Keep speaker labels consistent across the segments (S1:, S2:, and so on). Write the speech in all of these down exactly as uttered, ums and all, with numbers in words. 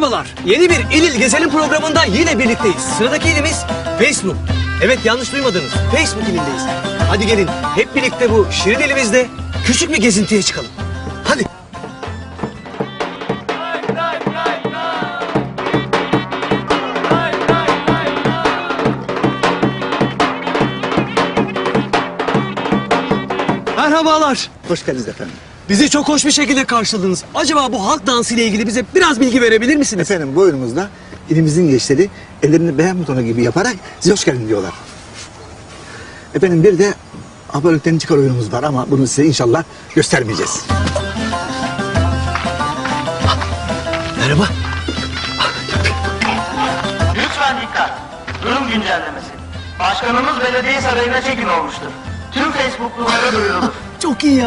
S1: Merhabalar. Yeni bir İl İl Gezelim programında yine birlikteyiz. Sıradaki ilimiz Facebook. Evet, yanlış duymadınız. Facebook ilindeyiz. Hadi gelin hep birlikte bu şirin ilimizde küçük bir gezintiye çıkalım. Hadi. Merhabalar.
S2: Hoş geldiniz efendim.
S1: Bizi çok hoş bir şekilde karşıladınız. Acaba bu halk dansı ile ilgili bize biraz bilgi verebilir misiniz?
S2: Efendim bu oyunumuzda ilimizin gençleri ellerini beğen butonu gibi yaparak size hoş geldin diyorlar. Efendim bir de abonelikten çıkar oyunumuz var ama bunu size inşallah göstermeyeceğiz.
S1: Merhaba.
S3: Lütfen dikkat. Durum güncellemesi. Başkanımız belediye sarayına çekin olmuştur. Tüm Facebook'lulara duyurulur.
S1: Çok iyi ya.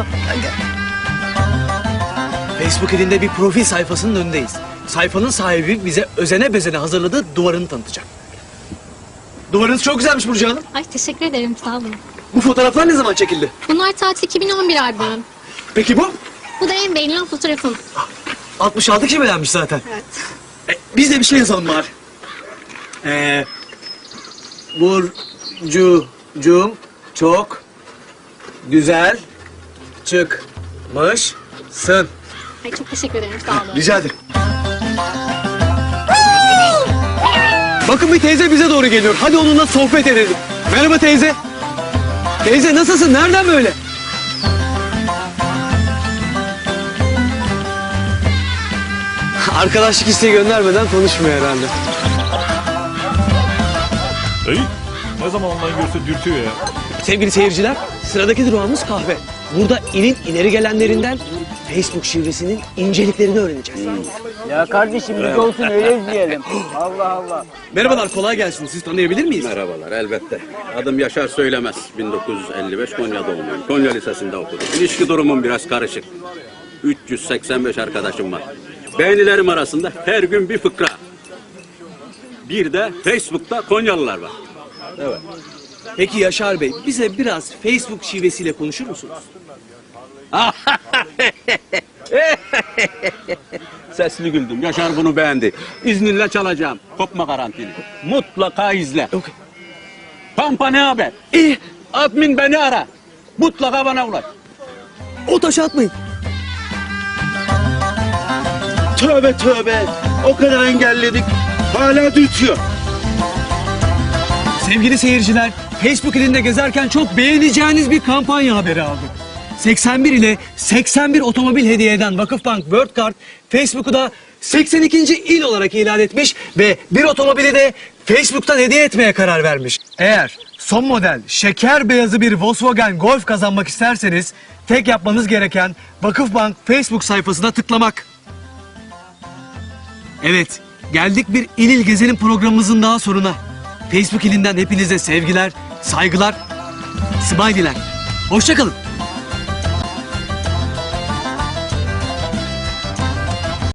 S1: Facebook ilinde bir profil sayfasının önündeyiz. Sayfanın sahibi bize özene bezene hazırladığı duvarını tanıtacak. Duvarınız çok güzelmiş Burcu Hanım.
S4: Ay teşekkür ederim, sağ olun.
S1: Bu fotoğraflar ne zaman çekildi?
S4: Bunlar Tatil iki bin on bir albümüm.
S1: Peki bu?
S4: Bu da en beğenilen fotoğrafım.
S1: altmış altı kişi beğenmiş zaten.
S4: Evet.
S1: E, biz de bir şey yazalım bari. Ee, Burcu'cum çok güzel çıkmışsın.
S4: Ay çok teşekkür ederim, sağ olun.
S1: Rica ederim. Bakın bir teyze bize doğru geliyor. Hadi onunla sohbet edelim. Merhaba teyze. Teyze nasılsın? Nereden böyle? Arkadaşlık isteği göndermeden konuşmuyor herhalde.
S5: Ey, ne zaman online görse dürtüyor ya.
S1: Sevgili seyirciler, sıradaki durağımız kahve. Burada ilin ileri gelenlerinden Facebook şifresinin inceliklerini öğreneceğiz.
S6: Ya kardeşim biz olsun öyle izleyelim. Allah Allah.
S1: Merhabalar, kolay gelsin. Siz tanıyabilir miyiz?
S7: Merhabalar, elbette. Adım Yaşar Söylemez. bin dokuz yüz elli beş Konya doğumluyum. Konya Lisesi'nde okudum. İlişki durumum biraz karışık. üç yüz seksen beş arkadaşım var. Beğenilerim arasında her gün bir fıkra. Bir de Facebook'ta Konyalılar var. Evet.
S1: Peki Yaşar Bey, bize biraz Facebook şivesiyle konuşur musunuz?
S7: Sesli güldüm. Yaşar bunu beğendi. İzninle çalacağım. Kopma garantili. Mutlaka izle.
S1: Okay.
S7: Pampa ne haber?
S1: İyi,
S7: Admin beni ara. Mutlaka bana ulaş.
S1: o taşı atmayın.
S7: Tövbe tövbe. O kadar engelledik. Hala dürtüyor.
S1: Sevgili seyirciler, Facebook ilinde gezerken çok beğeneceğiniz bir kampanya haberi aldık. seksen bir ile seksen bir otomobil hediye eden Vakıfbank World Card, Facebook'u da seksen ikinci il olarak ilan etmiş ve bir otomobili de Facebook'tan hediye etmeye karar vermiş. Eğer son model şeker beyazı bir Volkswagen Golf kazanmak isterseniz tek yapmanız gereken Vakıfbank Facebook sayfasına tıklamak. Evet, geldik bir İl İl Gezelim programımızın daha sonuna. Facebook ilinden hepinize sevgiler, saygılar, smiley'ler. Hoşça kalın.